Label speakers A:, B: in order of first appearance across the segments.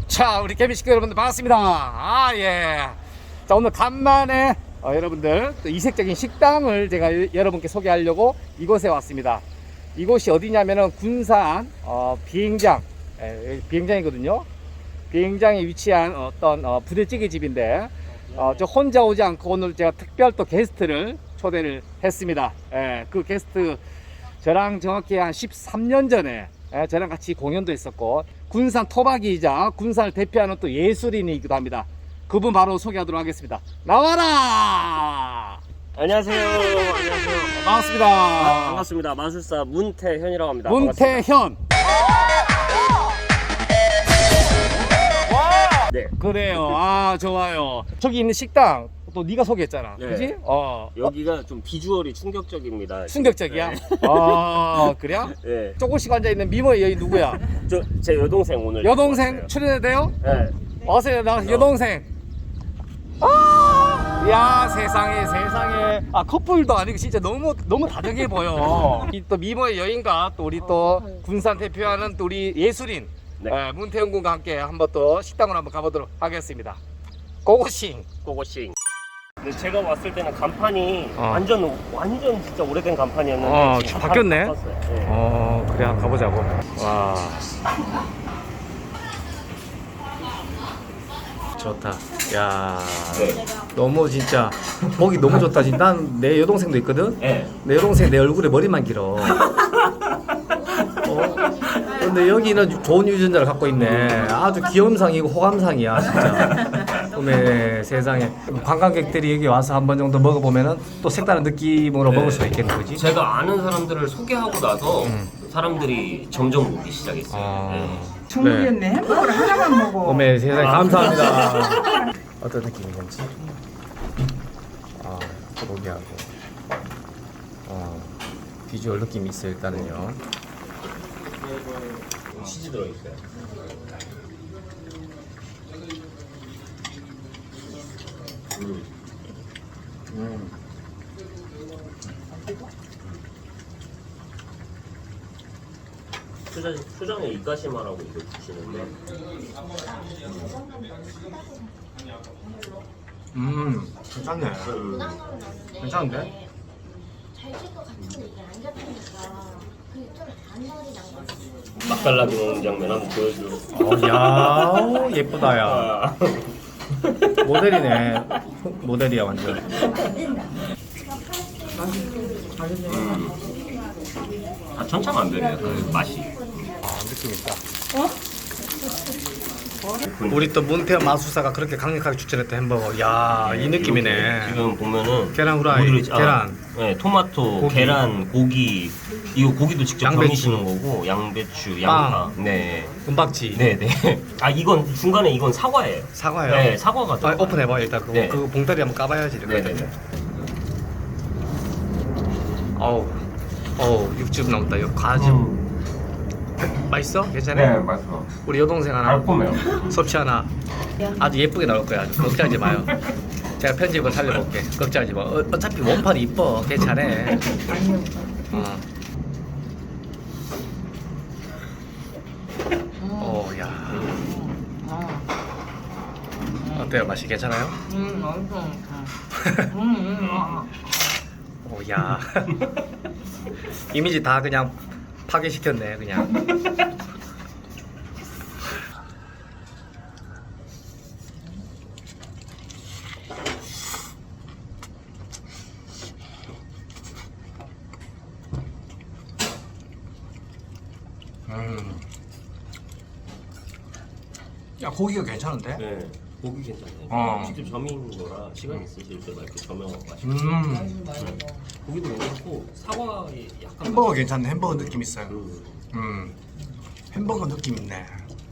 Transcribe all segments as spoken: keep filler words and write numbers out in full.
A: 자, 우리 개미식구 여러분들 반갑습니다. 아, 예. 자, 오늘 간만에 어, 여러분들 또 이색적인 식당을 제가 여러분께 소개하려고 이곳에 왔습니다. 이곳이 어디냐면은 군산 어, 비행장, 예, 비행장이거든요. 비행장에 위치한 어떤 어, 부대찌개 집인데 어, 저 혼자 오지 않고 오늘 제가 특별 또 게스트를 초대를 했습니다. 예, 그 게스트 저랑 정확히 한 십삼 년 전에 예, 저랑 같이 공연도 했었고 군산 토박이이자 군산을 대표하는 또 예술인이기도 합니다. 그분 바로 소개하도록 하겠습니다. 나와라!
B: 안녕하세요. 안녕하세요.
A: 반갑습니다.
B: 아, 반갑습니다. 마술사 문태현이라고 합니다.
A: 문태현.
B: 네.
A: 그래요. 아, 좋아요. 저기 있는 식당 또 네가 소개했잖아.
B: 네.
A: 그지? 어.
B: 여기가 좀 비주얼이 충격적입니다.
A: 충격적이야?
B: 네.
A: 아, 그래요?
B: 네.
A: 조금씩 앉아있는 미모의 여인 누구야?
B: 저 제 여동생 오늘.
A: 여동생 출연해도 돼요?
B: 네.
A: 어서요, 나 여동생. 아, 야, 세상에, 세상에. 아, 커플도 아니고 진짜 너무, 너무 다정해 보여. 이 또 미모의 여인과 또 우리 또 군산 대표하는 또 우리 예술인
B: 네.
A: 에, 문태현 군과 함께 한번 또 식당으로 한번 가보도록 하겠습니다. 고고싱.
B: 고고싱. 근데 제가 왔을 때는 간판이
A: 어.
B: 완전 완전 진짜 오래된 간판이었는데
A: 어,
B: 지금
A: 바뀌었네.
B: 바꿨어요. 네.
A: 어, 그래, 한번 가보자고. 와. 좋다. 야,
B: 네.
A: 너무 진짜 보기 너무 좋다. 난 내 여동생도 있거든.
B: 네.
A: 내 여동생 내 얼굴에 머리만 길어. 어? 근데 여기는 좋은 유전자를 갖고 있네. 아주 귀염상이고 호감상이야, 진짜. 어메 세상에. 관광객들이 여기 와서 한 번 정도 먹어보면은 또 색다른 느낌으로
B: 네.
A: 먹을 수가 있겠는 거지.
B: 제가 아는 사람들을 소개하고 나서
A: 음.
B: 사람들이 점점 오기 시작했어요.
A: 아.
B: 네.
C: 중국이었네. 햄버거를 하나만 먹어.
A: 어메 세상에 감사합니다. 어떤 느낌인 건지. 아, 고기하고 어, 비주얼 느낌이 있어요, 일단은요.
B: 치즈 들어있어요. 음.
A: 음.
B: 초장, 초장에 이까시마라고 이거 주시는데
A: 음, 괜찮네.
B: 음.
A: 괜찮은데?
D: 잘 칠 것 같은데 이게 안 잡히니까 그게 좀 단열이 난 거지.
B: 맛깔나게 먹는 장면 한번 보여줘.
A: 어, 야, 예쁘다, 야.
B: 아.
A: 모델이네. 모델이야, 완전.
B: 아, 천차만별이에요. 그 맛이.
A: 아, 느낌 있다. 우리 또 문태현 마술사가 그렇게 강력하게 추천했던 햄버거. 야, 이 느낌이네.
B: 지금 보면은
A: 계란 후라이,
B: 뭐 들어있지? 아,
A: 계란.
B: 네, 토마토,
A: 고기.
B: 계란, 고기. 이거 고기도 직접
A: 양배추.
B: 겸이시는 거고, 양배추, 양파. 네,
A: 은박지.
B: 네, 네. 아, 이건 중간에 이건 사과예요.
A: 사과요.
B: 네, 사과가
A: 아,
B: 들어가요.
A: 오픈해봐, 일단. 그,
B: 네.
A: 그 봉다리 한번 까봐야지.
B: 네, 네, 네.
A: 어우, 어우, 육즙 나온다. 이거 과즙.
B: 음.
A: 맛있어? 괜찮아?
B: 맛있어.
A: 우리 여동생 하나.
B: 달콤해요.
A: 섭취 하나. 아주 예쁘게 나올 거야. 아주 걱정하지 마요. 제가 편집을 살려볼게. 걱정하지 마. 어, 어차피 원판이 이뻐. 괜찮아. 어. 오, 야. 어때요? 맛이 괜찮아요?
C: 음, 엄청 좋다. 음, 음, 아.
A: 오, 야. 이미지 다 그냥 파괴시켰네, 그냥. 음. 야, 고기가 괜찮은데?
B: 네, 고기 괜찮아요.
A: 어.
B: 직접 점인 거라 시간 있으실 때 막 이렇게 점여갖고 맛있어요.
A: 음.
B: 고기도 괜찮고 사과에 약간
A: 햄버거 괜찮네. 햄버거 느낌 있어요.
B: 그
A: 음. 햄버거 느낌 있네.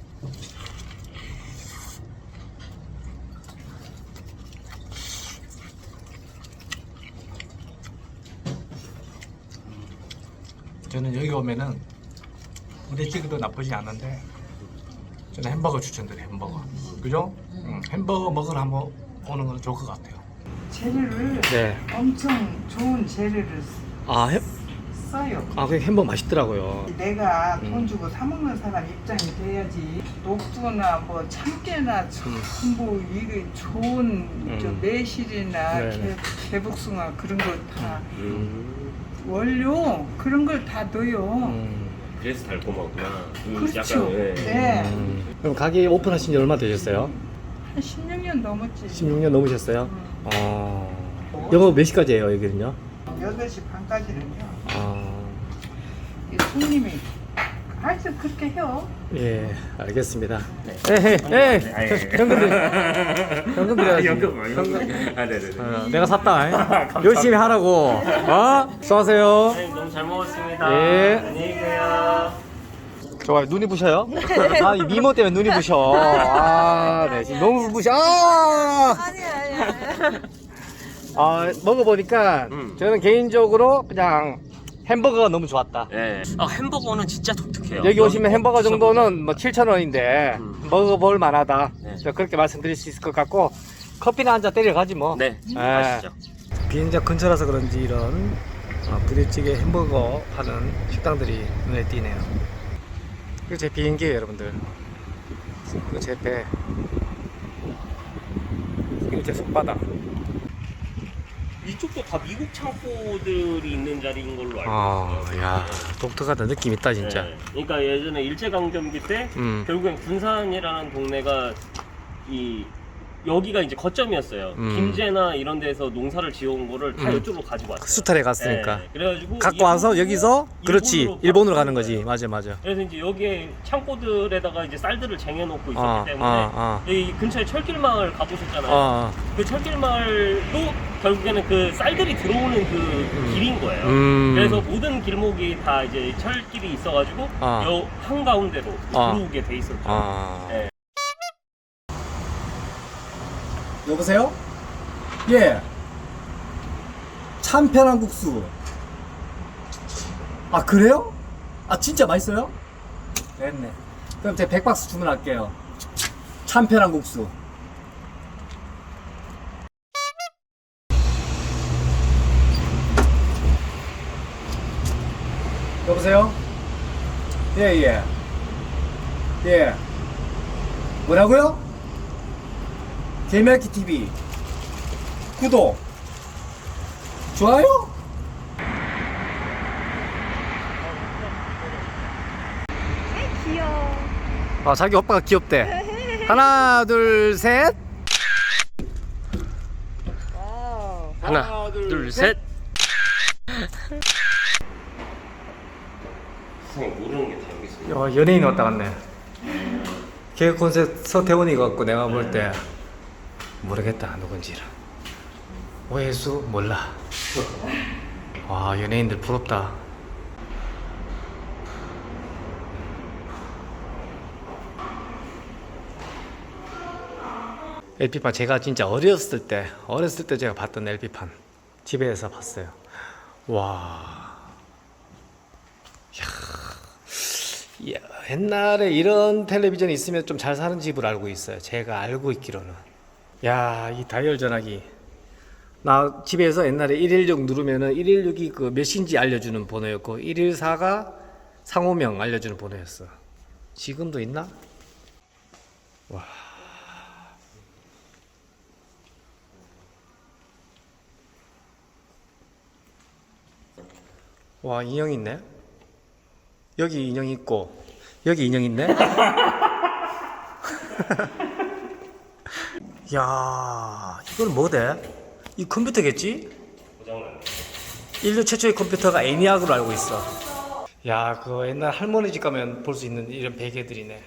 A: 저는 여기 오면은 부대찌개도 나쁘지 않은데 저는 햄버거 추천드려요. 햄버거. 그죠? 음, 햄버거 먹으러 한번 오는 건 좋을 것 같아요.
C: 재료를
A: 네.
C: 엄청 좋은 재료를
A: 아, 햄,
C: 써야 싸요.
A: 아, 그 햄버거 맛있더라고요.
C: 내가 돈
A: 음.
C: 주고 사 먹는 사람 입장이 돼야지. 녹두나 뭐 참깨나 전부 이게 좋은 저
A: 음.
C: 매실이나
A: 네.
C: 개, 개복숭아 그런 걸 다
B: 음.
C: 원료 그런 걸 다 넣어요.
A: 음.
B: 그래서 달콤하구나. 음,
C: 그렇죠.
B: 약간, 예.
C: 네.
A: 음. 그럼 가게 오픈하신 지 얼마 되셨어요?
C: 한 십육 년 넘었지.
A: 십육 년 넘으셨어요?
C: 음.
A: 어. 영업 몇 시까지예요, 여기는요?
C: 여덟 시 반까지는요.
A: 아.
C: 이 손님이 하여튼 그렇게 해요.
A: 예, 알겠습니다.
B: 네.
A: 에헤, 에,
B: 아, 예.
A: 현금 드려. 현금 드려야지.
B: 연금, 연금. 아, 네네네.
A: 어, 내가 샀다. 열심히 하라고. 어? 수고하세요.
B: 선생님 너무 잘 먹었습니다.
A: 예.
B: 안녕히 계세요.
A: 좋아요. 눈이 부셔요? 아, 이 미모 때문에 눈이 부셔. 아, 네. 지금 너무 부셔. 아!
E: 아니 아니 아니.
A: 아, 먹어보니까
B: 음.
A: 저는 개인적으로 그냥 햄버거가 너무 좋았다.
B: 네. 아, 햄버거는 진짜 독특해요.
A: 여기 오시면 햄버거 정도는 뭐 칠천 원인데
B: 음.
A: 먹어볼 만하다.
B: 네.
A: 저 그렇게 말씀드릴 수 있을 것 같고 커피나 한 잔 때려 가지 뭐.
B: 네.
A: 예.
B: 아시죠?
A: 비행장 근처라서 그런지 이런 어, 부대찌개 햄버거 파는 식당들이 눈에 띄네요. 이거 제 비행기예요, 여러분들. 이거 제 배. 이거 제 손바닥.
B: 이쪽도 다 미국 창고들이 있는 자리인 걸로 알고
A: 아,
B: 있어요.
A: 야, 독특하다. 느낌 있다, 진짜.
B: 네. 그러니까 예전에 일제강점기 때
A: 음.
B: 결국엔 군산이라는 동네가 이 여기가 이제 거점이었어요.
A: 음.
B: 김제나 이런 데서 농사를 지어온 거를 다
A: 음.
B: 이쪽으로 가지고 왔어요.
A: 수탈에 갔으니까.
B: 네. 그래가지고
A: 갖고 와서
B: 일본으로-
A: 여기서 그렇지
B: 일본으로
A: 일본으로 가는
B: 바꾼
A: 거지.
B: 거예요.
A: 맞아, 맞아.
B: 그래서 이제 여기에 창고들에다가 이제 쌀들을 쟁여놓고 있었기
A: 아,
B: 때문에
A: 아, 아.
B: 여기 근처에 철길 마을 가보셨잖아요.
A: 어,
B: 그 철길 마을도 결국에는 그 쌀들이 들어오는 그 길인 거예요.
A: 음.
B: 그래서 모든 길목이 다 이제 철길이 있어가지고
A: 아.
B: 요 한가운데로
A: 아.
B: 들어오게 돼 있었죠.
A: 아.
B: 네.
A: 여보세요? 예. 참편한 국수. 아, 그래요? 아, 진짜 맛있어요? 됐네. 그럼 제가 백 박스 주문할게요. 참편한 국수. 여보세요? 예, 예. 예. 뭐라고요? 개미야키 티비 구독 좋아요?
E: 귀여워.
A: 아, 자기 오빠가 귀엽대. 하나 둘셋
E: 와우.
B: 하나, 둘, 셋. 선생님 모르는 게 다 여기 있어요.
A: 야, 연예인 왔다 갔네. 개그 콘셉트 서태원이 같고 내가 볼 때 모르겠다 누군지를. 오해수 몰라. 와, 연예인들 부럽다. 엘피판 제가 진짜 어렸을 때 어렸을 때 제가 봤던 엘피판 집에서 봤어요. 와. 야, 옛날에 이런 텔레비전이 있으면 좀 잘 사는 집을 알고 있어요. 제가 알고 있기로는. 야, 이 다이얼 전화기. 나 집에서 옛날에 일일육 누르면은 일일육이 그 몇인지 알려주는 번호였고 일일사가 상호명 알려주는 번호였어. 지금도 있나? 와. 와, 인형 있네. 여기 인형 있고 여기 인형 있네. 야, 이건 뭐대? 이 컴퓨터겠지?
B: 고장났네.
A: 인류 최초의 컴퓨터가 애니악으로 알고 있어. 야, 그 옛날 할머니 집 가면 볼 수 있는 이런 베개들이네.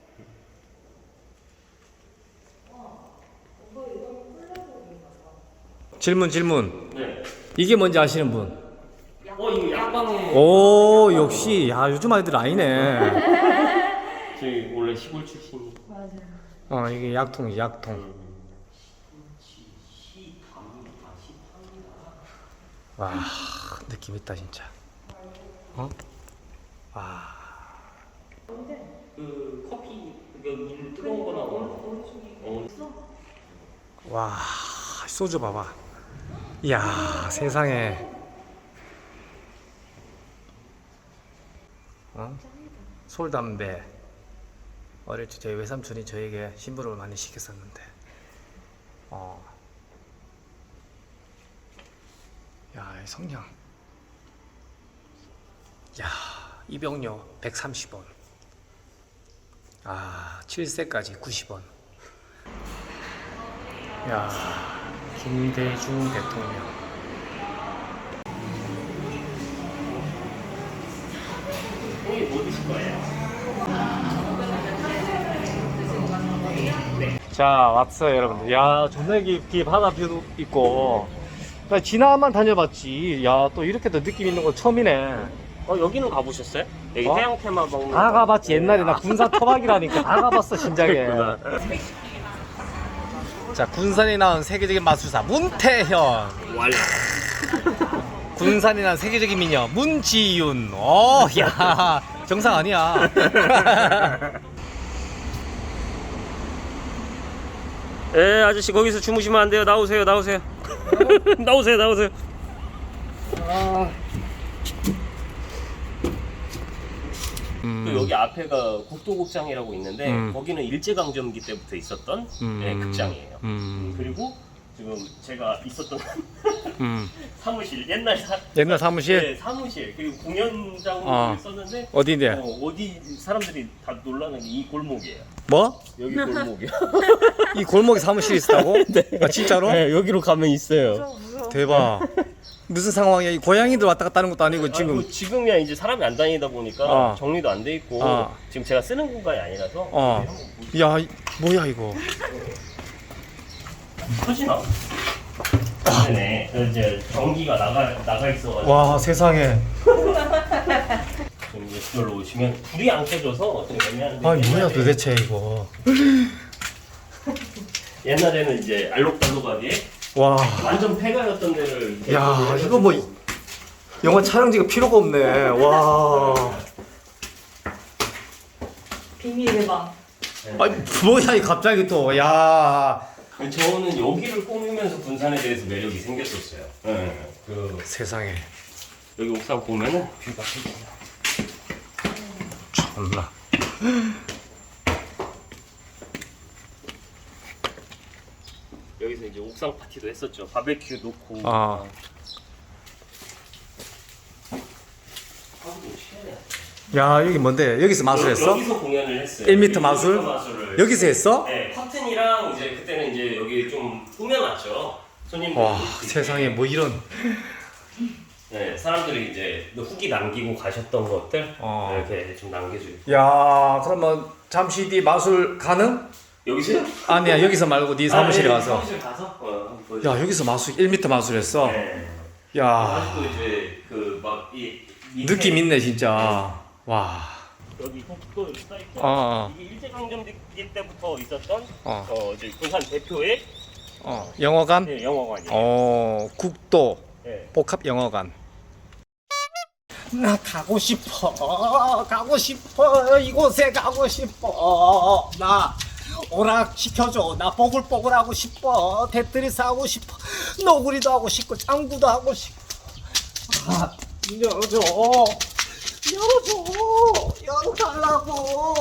A: 질문 질문.
B: 네.
A: 이게 뭔지 아시는 분?
B: 어, 이거 약방에
A: 오, 역시. 야, 요즘 아이들 아니네.
B: 저희 원래 시골 출신이.
A: 어, 이게 약통이 약통. 와, 느낌 있다 진짜. 어? 와.
B: 그 커피 그물 뜨거운 거 나오는 어.
A: 와, 소주 봐봐. 이야, 세상에. 어? 솔담배. 어릴 때 저희 외삼촌이 저에게 심부름을 많이 시켰었는데. 어. 야, 이 성냥. 야, 입용료 백삼십 원. 아, 칠 세까지 구십 원. 야, 김대중 대통령.
B: 형님 뭐 드실 거예요?
A: 자, 왔어요, 여러분들. 야, 존나 깊이 바다 뷰도 있고. 나 지나만 다녀봤지. 야, 또 이렇게 또 느낌 있는 거 처음이네.
B: 어 여기는 가보셨어요? 여기
A: 어?
B: 해양 테마 박물관.
A: 다 가봤지. 옛날에 나 군산 토박이라니까 다 가봤어, 진작에. 자, 군산이 나온 세계적인 마술사 문태현.
B: 완료.
A: 군산이 나온 세계적인 미녀 문지윤. 어, 야, 정상 아니야.
B: 예, 아저씨 거기서 주무시면 안 돼요. 나오세요, 나오세요. 나오세요, 나오세요.
A: 음.
B: 또 여기 앞에가 국도극장이라고 있는데
A: 음.
B: 거기는 일제강점기 때부터 있었던
A: 음.
B: 예, 극장이에요.
A: 음.
B: 그리고 지금 제가 있었던
A: 음.
B: 사무실 옛날 사,
A: 옛날 사무실?
B: 네, 사무실 그리고 공연장으로
A: 어.
B: 썼는데
A: 어디인데?
B: 어, 어디 사람들이 다 놀라는 게 이 골목이에요.
A: 뭐?
B: 여기 골목이요.
A: 이 골목에 사무실이 있다고?
B: 네.
A: 아, 진짜로?
B: 네, 여기로 가면 있어요.
E: 무서워, 무서워.
A: 대박. 무슨 상황이야? 이 고양이들 왔다 갔다 하는 것도 아니고 지금.
B: 아니, 뭐 지금이야 이제 사람이 안 다니다 보니까
A: 어.
B: 정리도 안 돼 있고
A: 어.
B: 지금 제가 쓰는 공간이 아니라서
A: 어.
B: 한번 보시죠.
A: 야, 이- 뭐야 이거?
B: 터지나? 네네. 그 이제 전기가 나가 나가 있어가지고
A: 와, 세상에.
B: 지금 이제 이걸로 오시면 불이 안 켜져서 좀 애매한데.
A: 아, 뭐야
B: 옛날에-
A: 도대체 이거?
B: 옛날에는 이제 알록달록하게
A: 와,
B: 완전 폐가였던 데를.
A: 야, 이거 뭐 영화 촬영지가 필요가 없네. 와,
E: 비밀의 방.
A: 아니 뭐야 이 갑자기 또, 야,
B: 저는 여기를 꾸미면서 군산에 대해서 매력이 생겼었어요. 네. 그
A: 세상에.
B: 여기 옥상 보면은 뷰가
A: 존나.
B: 여기서 이제 옥상 파티도 했었죠. 바베큐 놓고.
A: 아. 야, 여기 뭔데? 여기서 마술했어?
B: 여기서 공연을 했어요.
A: 일 미터 마술?
B: 마술을.
A: 여기서 했어?
B: 네, 커튼이랑 이제 그때는 이제 여기 좀 꾸며놨죠. 손님들.
A: 와, 세상에 뭐 이런.
B: 네, 사람들이 이제 후기 남기고 가셨던 것들
A: 어.
B: 이렇게 좀 남겨주고.
A: 야, 그러면 잠시 뒤 마술 가능?
B: 여기서요?
A: 아니야, 여기서 말고 네 사무실에
B: 아, 네,
A: 가서.
B: 사무실 가서. 어, 한번 보여줘.
A: 야, 여기서 마술 일 미터 마술했어.
B: 네.
A: 야,
B: 아직도 이제 그 막이
A: 느낌 있네 진짜. 와.
B: 여기 또 여기 써 있죠.
A: 어, 어.
B: 이게 일제강점기 때부터 있었던
A: 어.
B: 어, 이제 군산 대표의
A: 어, 영어관?
B: 네, 영어관이에요.
A: 어, 국도
B: 네.
A: 복합 영어관. 나 가고 싶어. 가고 싶어. 이곳에 가고 싶어. 나 오락 시켜줘. 나 뽀글뽀글 하고 싶어. 테트리스 하고 싶어. 너구리도 하고 싶고 장구도 하고 싶어. 아, 열어줘. 열어줘. 열어달라고.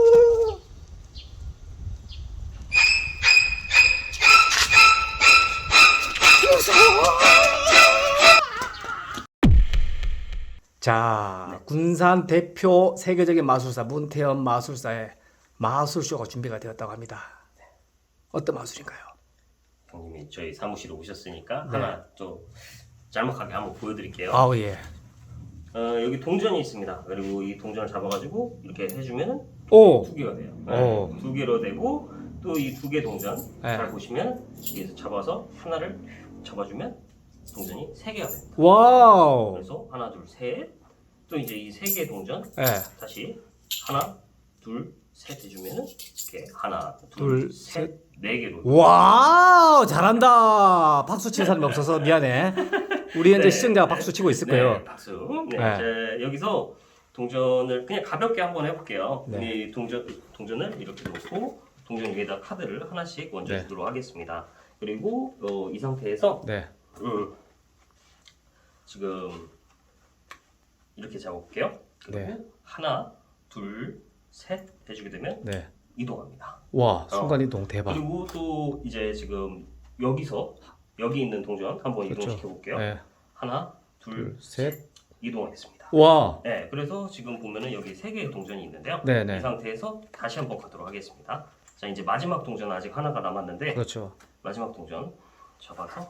A: 자, 군산 대표 세계적인 마술사 문태현 마술사의 마술쇼가 준비가 되었다고 합니다. 어떤 마술인가요?
B: 형님이 저희 사무실에 오셨으니까
A: 네.
B: 하나 좀 짤막하게 한번 보여드릴게요.
A: 아우 예.
B: 어, 여기 동전이 있습니다. 그리고 이 동전을 잡아가지고 이렇게 해주면은
A: 오.
B: 두 개가 돼요.
A: 오.
B: 네, 두 개로 되고 또 이 두 개 동전
A: 네.
B: 잘 보시면 여기서 잡아서 하나를 잡아주면 동전이 세 개가 됩니다.
A: 와우.
B: 그래서 하나 둘 셋 또 이제 이 세 개 동전
A: 예.
B: 다시 하나 둘 셋 해주면은 이렇게 하나
A: 둘,
B: 둘 셋 네 개로
A: 와우, 잘한다. 박수 칠 사람이 없어서 미안해. 우리 현재
B: 네.
A: 시청자가 박수 치고 있을 거예요.
B: 네, 박수. 네,
A: 네.
B: 이제 여기서 동전을 그냥 가볍게 한번 해볼게요.
A: 네.
B: 이 동전 동전을 이렇게 놓고 동전 위에다 카드를 하나씩 얹어
A: 네.
B: 주도록 하겠습니다. 그리고 어, 이 상태에서
A: 네.
B: 음, 지금 이렇게 잡아볼게요. 그리고
A: 네.
B: 하나, 둘, 셋 해주게 되면
A: 네.
B: 이동합니다.
A: 와, 순간 이동 대박.
B: 그리고 또 이제 지금 여기서 여기 있는 동전 한번
A: 그렇죠.
B: 이동시켜 볼게요.
A: 네.
B: 하나, 둘,
A: 둘, 셋.
B: 이동하겠습니다.
A: 와.
B: 네, 그래서 지금 보면은 여기 세 개의 동전이 있는데요.
A: 네네.
B: 이 상태에서 다시 한번 가도록 하겠습니다. 자, 이제 마지막 동전 아직 하나가 남았는데
A: 그렇죠.
B: 마지막 동전 잡아서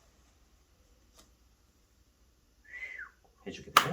B: 해주게 되면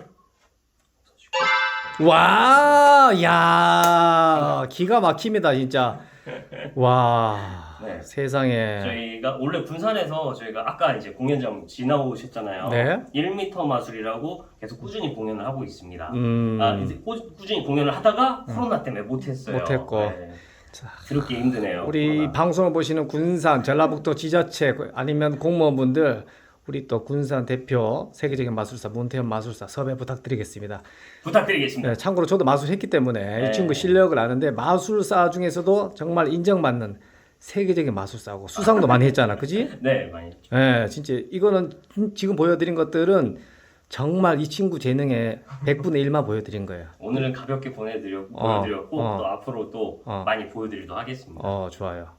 A: 와, 야, 기가 막힙니다, 진짜. 와,
B: 네.
A: 세상에.
B: 저희가 원래 군산에서 저희가 아까 이제 공연장 지나오셨잖아요.
A: 네.
B: 일 미터 마술이라고 계속 꾸준히 공연을 하고 있습니다.
A: 음,
B: 아, 이제 꾸, 꾸준히 공연을 하다가 코로나 때문에 못했어요.
A: 못했고.
B: 네. 그렇게 힘드네요.
A: 우리
B: 코로나.
A: 방송을 보시는 군산, 전라북도 지자체 아니면 공무원분들, 우리 또 군산 대표 세계적인 마술사 문태현 마술사 섭외 부탁드리겠습니다.
B: 부탁드리겠습니다.
A: 네, 참고로 저도 마술했기 때문에
B: 네.
A: 이 친구 실력을 아는데 마술사 중에서도 정말 인정받는 세계적인 마술사고 수상도 많이 했잖아, 그지?
B: 네, 많이 했죠.
A: 네, 진짜 이거는 지금 보여드린 것들은 정말 이 친구 재능의 백분의 일만 보여드린 거예요.
B: 오늘은 가볍게 보내드렸,
A: 어,
B: 보여드렸고
A: 어.
B: 또 앞으로 또
A: 어.
B: 많이 보여드리도록 하겠습니다.
A: 어, 좋아요.